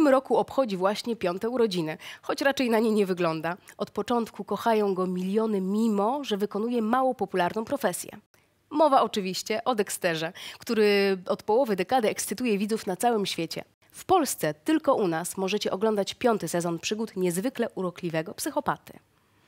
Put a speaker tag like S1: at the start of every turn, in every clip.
S1: tym roku obchodzi właśnie 5. urodziny, choć raczej na nie nie wygląda. Od początku kochają go miliony, mimo że wykonuje mało popularną profesję. Mowa oczywiście o Dexterze, który od połowy dekady ekscytuje widzów na całym świecie. W Polsce tylko u nas możecie oglądać 5. sezon przygód niezwykle urokliwego psychopaty.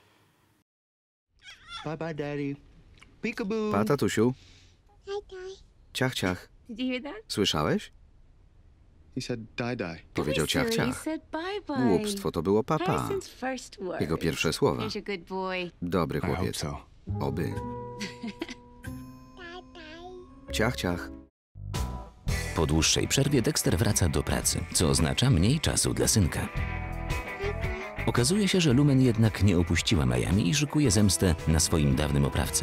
S2: Bye bye, daddy. Peekaboo.
S3: Pa, tatusiu.
S4: Hi, Di.
S3: Ciach, ciach.
S4: Did you hear that?
S3: Słyszałeś?
S2: He said die die.
S3: Powiedział ciach,
S4: He
S3: ciach.
S4: said bye bye.
S3: Głupstwo, to było papa.
S4: Harrison's first word.
S3: Jego pierwsze słowa.
S4: Here's a good boy.
S3: Dobry
S2: I hope
S3: chłopiec.
S2: so.
S3: Oby. Ciach, ciach.
S5: Po dłuższej przerwie Dexter wraca do pracy, co oznacza mniej czasu dla synka. Okazuje się, że Lumen jednak nie opuściła Miami i szykuje zemstę na swoim dawnym oprawcy.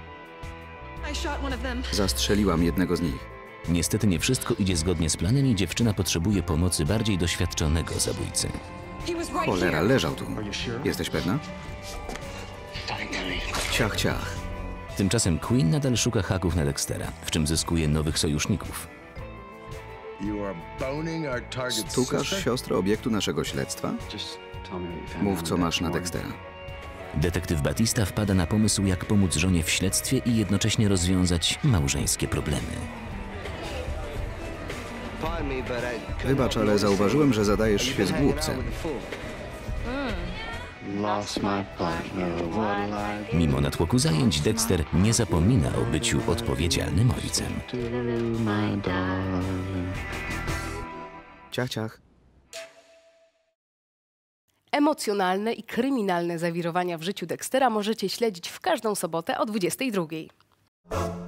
S3: Zastrzeliłam jednego z nich.
S5: Niestety nie wszystko idzie zgodnie z planem i dziewczyna potrzebuje pomocy bardziej doświadczonego zabójcy.
S3: Cholera, leżał tu. Jesteś pewna? Ciach, ciach.
S5: Tymczasem Queen nadal szuka haków na Dextera, w czym zyskuje nowych sojuszników.
S3: Stukasz siostrę obiektu naszego śledztwa? Mów, co masz na Dextera.
S5: Detektyw Batista wpada na pomysł, jak pomóc żonie w śledztwie i jednocześnie rozwiązać małżeńskie problemy.
S3: Wybacz, ale zauważyłem, że zadajesz się z głupcem.
S5: Mimo natłoku zajęć, Dexter nie zapomina o byciu odpowiedzialnym ojcem.
S3: Ciach, ciach.
S1: Emocjonalne i kryminalne zawirowania w życiu Dextera możecie śledzić w każdą sobotę o 22:00.